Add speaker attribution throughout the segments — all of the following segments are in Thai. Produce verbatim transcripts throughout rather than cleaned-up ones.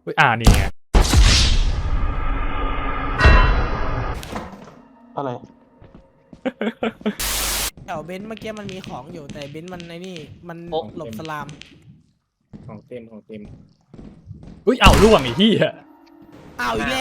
Speaker 1: อ่านี่ไง
Speaker 2: อะไร
Speaker 3: แถวเบนซ์เมื่อกี้มันมีของอยู่แต่เบนซ์มันไอ้นี่มันหลบสลาม
Speaker 4: ของเต็มของเต็ม
Speaker 1: อุ้ยเอ้าล่วงไอ้ที่อะ
Speaker 3: อ้าวอีกแล้ว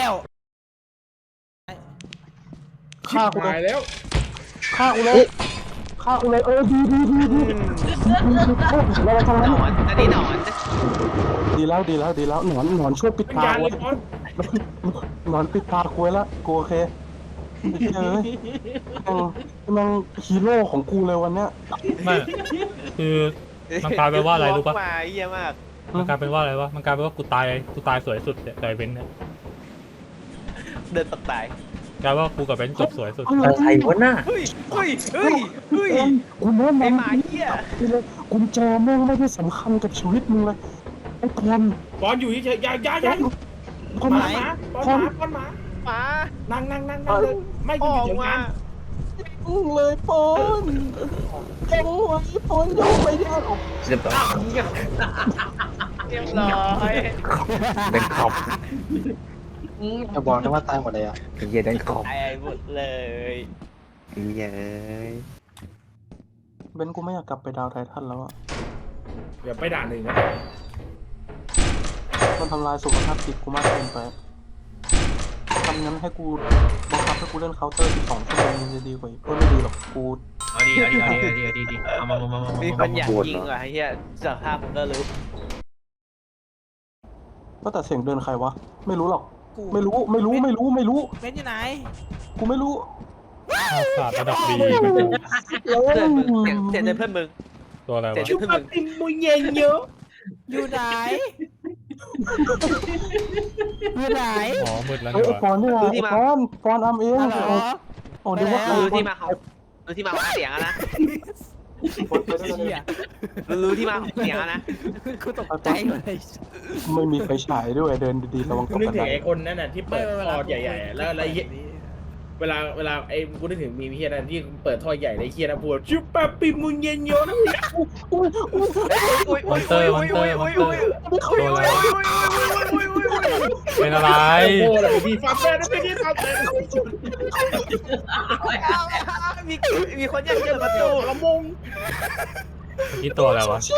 Speaker 2: ฆ่ากูเล
Speaker 4: ตาย ยแล้ว
Speaker 2: ฆ่ากูเลยฆ่ากูเลยเออดีดีดีดีเราไปทางนั้น
Speaker 5: หนอนอันนี้หนอน
Speaker 2: ดีแล้วดีแล้วดีแล้วหนอนหนอนช่วยปิด
Speaker 4: เป็น
Speaker 2: ตาย
Speaker 4: าน
Speaker 2: กู
Speaker 4: เลยบอส
Speaker 2: หนอนปิดตากูไว้แล้วกูโอเคเฮ้ยมันมันฮีโร่ของกูเลยวันเนี้ย
Speaker 1: ไม่คือมันกลายเป็นว่าอะไรรู้ปะ
Speaker 5: มาเยี่ยมาก
Speaker 1: มันกลายเป็นว่าอะไรวะมันกลายเป็นว่ากูตายกูตายสวยสุดแต่ไอ้เบนซ์เนี่ย
Speaker 5: เดินตกตาย
Speaker 1: กลายว่ากูกับเบนซ์จบสวยสุด
Speaker 6: อะไรวะน่ะ
Speaker 5: เฮ้ยเฮ้ยเฮ้ยเฮ้ย
Speaker 2: กูแนะ
Speaker 5: ไอ้
Speaker 2: นำ
Speaker 5: หมาเหี้ย
Speaker 2: เลยกุญแจแม่งไม่ได้สำคัญกับชีวิตมึงเลยไอ้คน
Speaker 4: บอสอยู่เฉยๆอย่าอย่าอย่า
Speaker 2: คน
Speaker 4: ห
Speaker 2: ไหน
Speaker 4: มาหมาบอสหมาบอสหมา
Speaker 5: หมา
Speaker 4: นั่งนั่งนั่งนั่งเลยไม่
Speaker 5: อ
Speaker 4: กูอ
Speaker 5: อยู่ ก
Speaker 4: เฉยๆ
Speaker 5: มา
Speaker 4: กัน
Speaker 2: มึงเลยปอนยังไว้ปอนยังไม่ได้ออก
Speaker 6: เรียบร้อย
Speaker 5: เรียบร้อย
Speaker 6: เป็นขอบ
Speaker 2: จะบอกนะว่าตายหมดเลยอ่ะ
Speaker 6: ไอ้เหี้ยดันขอบ
Speaker 5: ตายหมดเลย
Speaker 6: ไอ้เหี้ยเอ้ย
Speaker 2: เบนกูไม่อยากกลับไปดาวไททันแล้วอ่ะ
Speaker 4: เดี๋ยวไปด่านหนึ่งนะ
Speaker 2: มันทำลายสุขภาพจิตกูมากเกินไปทำงั้นให้กูบังคับให้กูเล่นเคาน์เตอร์อีกสองชั่วโมงมันจะดีกว่าอีกก็ไม่ดีหรอกกู
Speaker 7: เอาดีเอาดีเอาดีเอาดีเอาดีดีเอามามามามา
Speaker 5: มี
Speaker 7: มา
Speaker 5: คนอยากยิงว่ะไอ้เหี้ยสภาพผมก็รู้
Speaker 2: ก็แต่เสียงเดินใครวะไม่รู้หรอก
Speaker 3: กู
Speaker 2: ไม่รู้ไม่รู้ไม่รู้ไม่รู้
Speaker 3: เบนซ์อยู่ไหน
Speaker 2: กูไม่รู้
Speaker 1: ข้าวสารระดับดี
Speaker 2: แล้ว
Speaker 5: เพื่อนมึงเสียงเสียงเดินเพื่อนมึง
Speaker 1: ตัวอะไร
Speaker 5: เสียง
Speaker 1: วะ
Speaker 5: เดินเพื่อนมึง
Speaker 4: ติมมุยเย็นเยอะ
Speaker 3: อยู่ไหนอยู่ไหน
Speaker 1: อ๋อมืดแล้ว
Speaker 2: เฮ้ย
Speaker 1: นี่
Speaker 2: ไอ้
Speaker 1: วะ
Speaker 2: ปอนนี่ว่ะไอ้ปอนปอนอัมเอง
Speaker 3: ฮัลโหล
Speaker 2: โอ้เดี๋ยวว่า
Speaker 3: ไปแล้ว
Speaker 5: รู้ที่มาของรู้ที่มาของเสียงอะนะ
Speaker 3: เชี่ย
Speaker 5: รู้ที่มาของเสียงอะนะ
Speaker 3: กูตกใจเลย
Speaker 2: ไม่มีไฟฉายด้วยเดินดีๆระวังต
Speaker 4: กู
Speaker 2: ก
Speaker 4: นึก
Speaker 2: กระ
Speaker 4: ถึ
Speaker 2: ได
Speaker 4: งไอ้คนนั่นน่ะที่เปิดท่อใหญ่ๆแล้วอะไรเวลาเวลาไอ้กูนึกถึงมีเฮียนั่นที่เปิดท่อใหญ่ในเฮียนะพูดชุบปะปิมุยเย็นเยอะนะ
Speaker 1: มอนเตอร์มอนเตอร์มอนเตอร์ตัวอะไรเป็นอะไร
Speaker 4: โอ้โหแล้วมีฟาร์มแม่ไม่ได้ทำเลย
Speaker 5: มีมีคนอยากเจอประตู
Speaker 4: ละมง
Speaker 1: เมื่อกี้ตัวอะไรวะ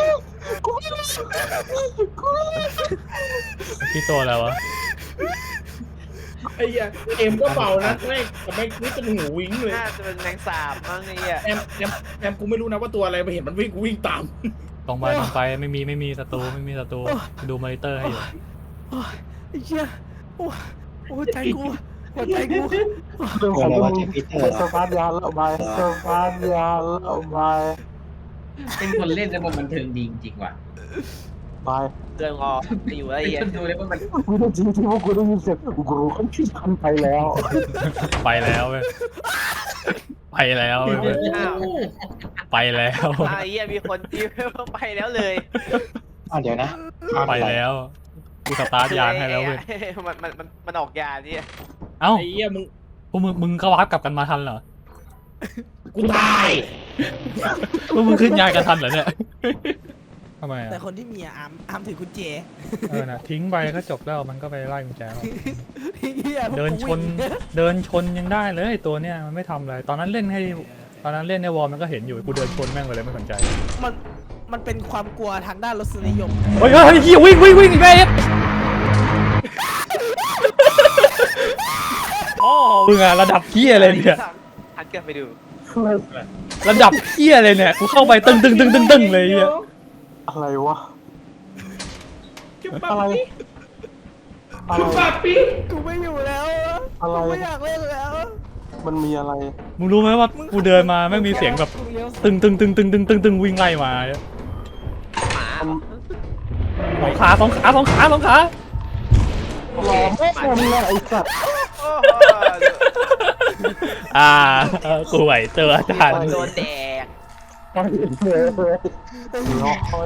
Speaker 1: เมื่อกี้ตัวอะไรวะ
Speaker 4: ไอ้เหี้ยเอ็มก็เบานะแม่งแต่แม่งนี่เป็นหูวิ้งเลย
Speaker 5: น่าจะเป็นแมงสาบมั้งไอ้เหี้ย
Speaker 4: แอมแอมแอมกูไม่รู้นะว่าตัวอะไรไปเห็นมันวิ่งกูวิ่งตาม
Speaker 1: ตรงไปตรงไปไม่มีไม่มีศัตรูไม่มีศัตรูดูมอนิเตอร์ให้อยู่
Speaker 3: ไอ้เชี่ยโอ้โอ้ใจกูหัวใจกู
Speaker 2: เรื่องของมึงสปาร์ตยาแล้วไปสปาร์ตยาแล้วไป
Speaker 7: เป็นคนเล่นแล้วมันบันเทิงดีจริงๆว่ะ
Speaker 2: ไป
Speaker 5: เดินออกไปอยู่ไอ้
Speaker 7: เป็น
Speaker 5: เหี้ย
Speaker 7: คนดูแล้วมัน
Speaker 2: กูได้จริงที่ว่ากูได้ยินเสียงกูรู้เขาที่ทันไปแล้ว
Speaker 1: ไปแล้วเว้ยไปแล้วเว้ย
Speaker 5: อ้าว
Speaker 1: ไปแล้ว
Speaker 5: ไอ้เหี้ยมีคนที่ไปแล้วเลย
Speaker 2: อ่ะเดี๋ยวนะ
Speaker 1: ไปแล้วกูสตาร์ทยานให้แล้วเว้ย
Speaker 5: มันมันมันมันออกยาที่
Speaker 1: เอ้า
Speaker 4: ไอ้เหี้ยมึง
Speaker 1: พวกมึงมึงก็วาร์ปกลับกันมาทันเหรอ
Speaker 4: กูตาย
Speaker 1: พวกมึงขึ้นยานกันทันเหรอเนี่ยทำไม
Speaker 3: แต่
Speaker 1: อ่ะ
Speaker 3: คนที่มีอะอาร์มอาร์มถือกุญแจ
Speaker 1: เออนะทิ้งไปก็จบแล้วมันก็ไปไล่กุญแจเอา
Speaker 3: เหี้ยพวก
Speaker 1: เดิน
Speaker 3: กู
Speaker 1: ชน
Speaker 3: วิ่ง
Speaker 1: เดินชนยังได้เลยตัวเนี้ยมันไม่ทำอะไรตอนนั้นเล่นให้ตอนนั้นเล่นในวอลมันก็เห็นอยู่กูเดินชนแม่งไปเลยไม่สนใจ
Speaker 3: มันมันเป็นความกลัวทางด้านรสนิยม
Speaker 1: เฮ้ยเฮ้ยเฮียวิ่งวิ่งวิ่งอีกแล้วอ๋อมึงอะระดับเฮียเลยเนี่ย
Speaker 5: หันกลับไปดู
Speaker 1: ระดับเฮียเลยเนี่ยกูเข้าไปตึงตึงตึงตึงตึงเลยเนี่ย
Speaker 2: อะไรวะ
Speaker 4: ชุบปะ
Speaker 2: อะไร
Speaker 4: ปิ
Speaker 2: อะไร
Speaker 4: ชุบปะปิ
Speaker 3: กูไม่อยู่แล้ว
Speaker 2: อะไร
Speaker 3: กูไม่อยากเล่นแล้ว
Speaker 2: มันมีอะไร
Speaker 1: มึงรู้ไหมว่ากูเดินมาแม่งมีเสียงแบบตึงตึงตึงตึงตึงตึงตึงวิ่งไล่มา
Speaker 5: หมา
Speaker 1: สองขาสองขาสองขาสองขา
Speaker 2: หลอมไม่ทำเลยไอ้สัตว์
Speaker 5: โอ้โห
Speaker 1: อ่าเออกูไหวเจออาจารย์
Speaker 5: โดนแดก
Speaker 2: ไปเลยน้อย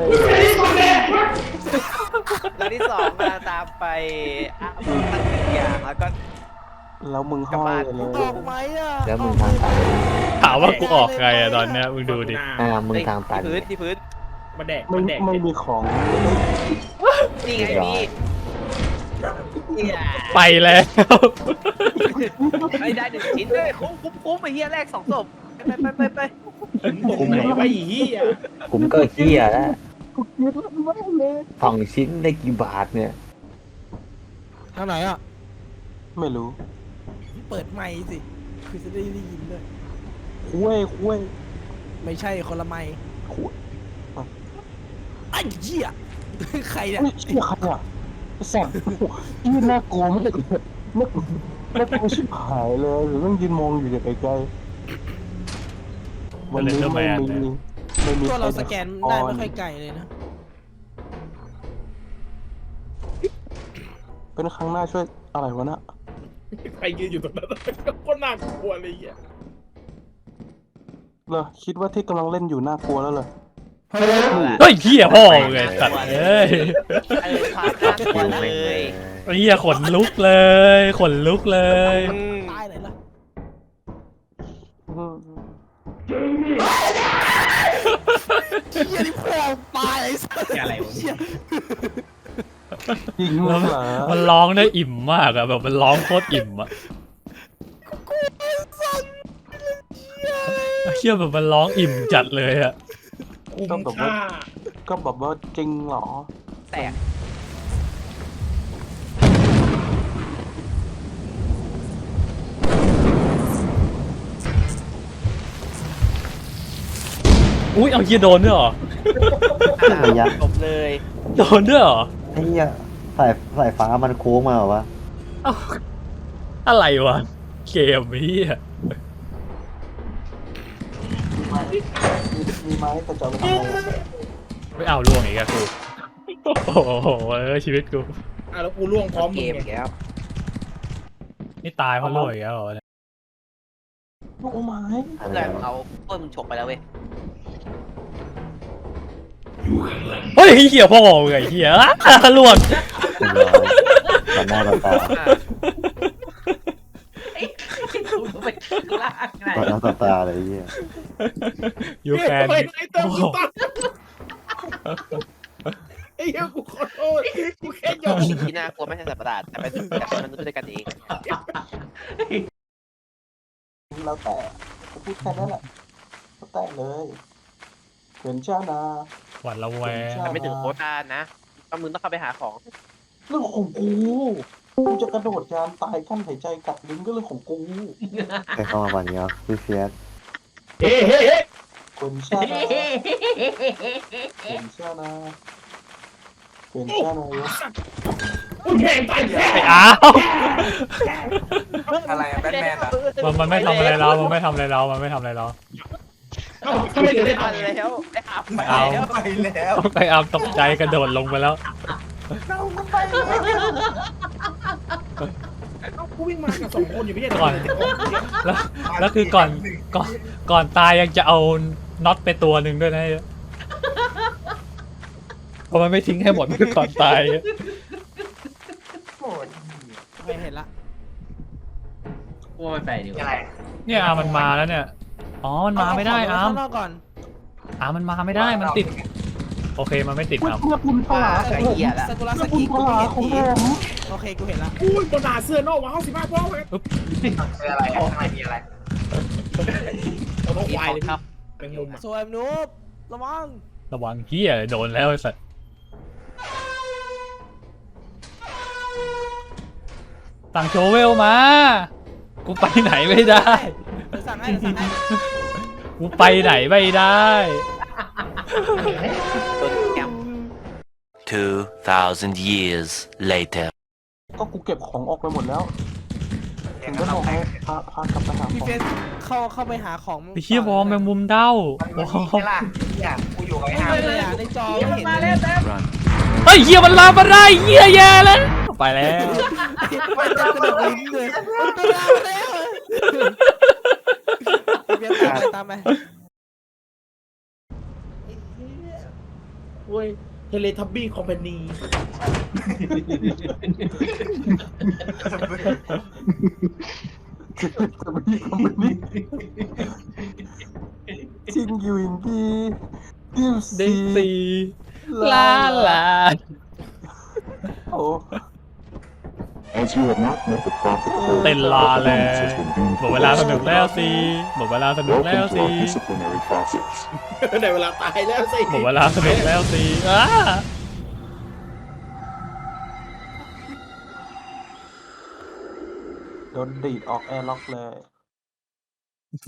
Speaker 5: แล้วที่สองกำลังตามไปอ้าวตั้งหนึ่งอย่างแล้วก็
Speaker 2: แล้วมึงห้อยเลย
Speaker 3: ออกไหมอ่ะ
Speaker 6: แล้วมึงทางตัน
Speaker 1: ถามว่ากูออกไงอะตอนเนี้ยมึงดูดิ
Speaker 6: อ่ามึงทางตัน
Speaker 5: ที่พื้นที่พื้น
Speaker 4: มาแดก
Speaker 2: ไม่
Speaker 4: มาแดก
Speaker 2: ไม่มีของ
Speaker 5: นี่ไงพี่
Speaker 1: ไปแล้ว
Speaker 5: ไม่ได้หนึ่งชิ้นเลยคุ้มคุ้มคุ้มไอ้เหี้ยแรกสองศพไปไปไปไป
Speaker 4: ตรงไหนวะไอ้เหี้ย
Speaker 6: ผมก็เฮียแล้ว
Speaker 2: กูเกลียดมันมากเลย
Speaker 6: สองชิ้นได้กี่บาทเนี่ย
Speaker 3: ทางไหนอ่ะ
Speaker 2: ไม่รู้
Speaker 3: เปิดไมค์สิ คือจะได้ยินด้วย
Speaker 2: คุยคุย
Speaker 3: ไม่ใช่คนละไมค์
Speaker 2: คุย
Speaker 3: ไอ้เหี้ย ใครเนี่ย
Speaker 2: เฮ้ยเชี่ยใครอ่ะไอ้สัตว์ยืนน่ากลัวมากเลยน่ากลัวน่ากลัวชิบหายเลยหรือต้องยืนมองอยู่จากไกลๆวันนี้ไม่มีไม่มี
Speaker 3: ตัวเราสแกนได้ไม่
Speaker 2: ใค
Speaker 3: ค่
Speaker 2: ร
Speaker 3: อยไกลเลยนะ
Speaker 2: เป็นครั้งหน้าช่วยอะไรวะน่ะ
Speaker 4: ใครยืนอยู่ตรงนั้นก็น่ากลัวเลยไอ้เหี้ย
Speaker 2: เหรอคิดว่าที่กำลังเล่นอยู่น่ากลัวแล้วเหรอ
Speaker 1: เฮ้ยเหี้ยพ่อไงสัตว์เอ้ย
Speaker 5: เออพาข้ามตัวเลย
Speaker 1: เหี้ยขนลุกเลยขนลุกเลย
Speaker 3: ตายไหนล่ะ
Speaker 2: อืม
Speaker 3: เหี้ยนี่พ่อตายไอ้สัส
Speaker 7: อะไรวะ
Speaker 3: เหี้ย
Speaker 2: จริง
Speaker 1: แล้ว
Speaker 2: เหรอ
Speaker 1: มันร้องได้อิ่มมากอะแบบมันร้องโคตรอิ่มอะเชี่ยแบบมันร้องอิ่มจัดเลยอะ
Speaker 4: คุ้มค่า
Speaker 2: ก็แบบว่าจริงเหรอ
Speaker 5: แตก
Speaker 1: อุ้ยเอาเหี้ยโดนด้วยเหรอ
Speaker 6: ระยะ
Speaker 5: จบเลย
Speaker 1: โดนด้วยเหรอ
Speaker 6: ไอ้เหี้ยสายสายฟ้ามันโค้งมาเหรอวะ
Speaker 1: เอ้าอะไรวะเกมนี้อะ
Speaker 2: มีไม้แต่จะเอาไปทำอะไร
Speaker 1: ไม่เอาล่วงอีกอะกูโอ้โหเออชีวิตกู
Speaker 4: อ่ะแล้วกูล่วงพร้อม
Speaker 5: เก
Speaker 4: มึง
Speaker 5: มอีก
Speaker 4: ไง
Speaker 5: แล้ว
Speaker 1: นี่ตายเพราะล่วงอีกแล้วเหรอเนี่ย
Speaker 2: ลูกไม้
Speaker 5: เพื่อนเขาเพื่อนมึงฉกไปแล้วเว้ย
Speaker 1: เฮ้ยเหี้ยพ่อมึงไงเหี้ยอ่ะล่วง
Speaker 6: เรียบร้อยต่อหน้าต่อตา
Speaker 7: กูไปข้างล่างไง
Speaker 6: ต่อหน้าต่อตาเลยไอ้เหี้ย
Speaker 1: ยูแคน
Speaker 4: ไอ้เติมกูตายไอ้เหี้ยกูขอโทษกูแค่ยอม
Speaker 5: สิ่งที่น่ากลัวไม่ใช่สัตว์ประหลาดแต่เป็นแต่เป็นมนุษย์ด้วยกันเอง
Speaker 2: แล้วแต่จะพูดแค่นั้นแหละแล้วแต่เลยเป็นเจ้านา
Speaker 1: หวัดระแวง
Speaker 5: มันไม่ถึงโควต้านะต้องมึงต้องเข้าไปหาของ
Speaker 2: เรื่องของกูกูจะกระโดดยานตายขั้นหายใจกัดลิ้นก็เรื่องของกู
Speaker 6: ใครเข้ามาวันนี้อ่ะพี่เฟียส
Speaker 4: เฮ้เฮ้เฮ้
Speaker 2: เป็นเจ้านาเป็นเจ้านาเป็นเจ้านายก
Speaker 4: กูแข่งตายแค่
Speaker 1: ไอ้อ้าว
Speaker 5: อะไรแบทแมนอ่ะ
Speaker 1: มันมันไม่ทำอะไรเรา มันไม่ทำอะไรเรา มันไม่ทำอะไรเรา
Speaker 4: เอ้าทำไมถึงได้
Speaker 5: ทัน
Speaker 4: ทำ
Speaker 5: แล้วไอ้อาบไป
Speaker 1: เอา
Speaker 5: แล้ว
Speaker 1: ไอ้อามตกใจกระโดดลงไปแล้ว
Speaker 4: เอ้ากูวิ่งมากับสองคนอยู่ไม่ใช่เหร
Speaker 1: ก่อน แล้วแล้วคือก่อนก่อนก่อนตายยังจะเอาน็อตไปตัวหนึ่งด้วยนะเพราะมันไม่ทิ้งให้หมดคือก่อนตาย
Speaker 3: ไม่เห็นละ
Speaker 7: กูว่ามันไปดีกว่า
Speaker 1: เนี่ยอามันมาแล้วเนี่ย อ๋อ มันมาไม่ได้อาม
Speaker 3: ข้างนอกก่อน
Speaker 1: อามันมาไม่ได้ มันติด โอเค มันไม่ติดอาม
Speaker 2: เมื่อคุณปลา
Speaker 5: ไอ้เหี้ยละ
Speaker 3: ซากุระ
Speaker 2: เมื่
Speaker 3: ส
Speaker 2: อคุ
Speaker 3: กิ
Speaker 2: ณ
Speaker 3: กู
Speaker 2: ป
Speaker 3: ไม่
Speaker 2: ลา
Speaker 3: เห็น
Speaker 2: ของ
Speaker 3: ที
Speaker 2: ผม
Speaker 3: โอเคกูเห็นละ
Speaker 4: กูบนหาเสื้อนอกว้าวสิบห้าพวกเลย เอาท้อง
Speaker 5: มี
Speaker 4: ควาย
Speaker 5: ของ
Speaker 4: เลย
Speaker 5: ครับ
Speaker 4: เป็นมุมอ่ะ
Speaker 3: สวยนูบระวัง
Speaker 1: ระวังเหี้ยโดนแล้วไอ้สัสสั่งโชเวลมา กูไปไหนไม่ได้
Speaker 3: เดี๋ยวสั่งให้เดี๋ยวสั่งให้
Speaker 1: กูไปไหนไม่ได้
Speaker 5: ตัวแกม
Speaker 8: Two thousand years later.
Speaker 2: ก็กูเก็บของออกไปหมดแล้วถึงได้บอกให้พาพากลับไปหา
Speaker 3: พี่
Speaker 2: ของ
Speaker 3: เฟสเข้าเข้าไปหาของ
Speaker 1: ไอ้เหี้ยวอมแมงมุมเด้า
Speaker 7: มัน
Speaker 1: วอ
Speaker 7: มี
Speaker 1: ม
Speaker 7: แค่ล่ะเนี่ยกูอยู่กับไอ้อา
Speaker 3: ไม่
Speaker 7: ร์ม
Speaker 3: เลยอ่ะในจอไม่เห็นเลย
Speaker 1: เฮ้ยเหี้ยมันลามมาได้เหี้ยแย่แล้วไปแล้ว
Speaker 3: มันจะกระโดดลิ้นเลยมันไปแล้วแล้วพี่เฟสตามไปตามไป
Speaker 4: เว้ยเทเลทับบี้คอมพานี
Speaker 2: จะไม่มีคำแบบนี้จริงอยู่อย่างดีดิว
Speaker 1: เด็
Speaker 2: ซี
Speaker 1: กสีลาลา
Speaker 2: โอ้
Speaker 1: เต้นลาเลยหมดเวลาสนุกแล้วสิหมดเวลาสนุกแล้วสิ
Speaker 4: ในเวลาตายแล้วสิ
Speaker 1: หมดเวลาสนุกแล้วสิอ้า
Speaker 2: โดนดีดออกแอร์ล็อกเลย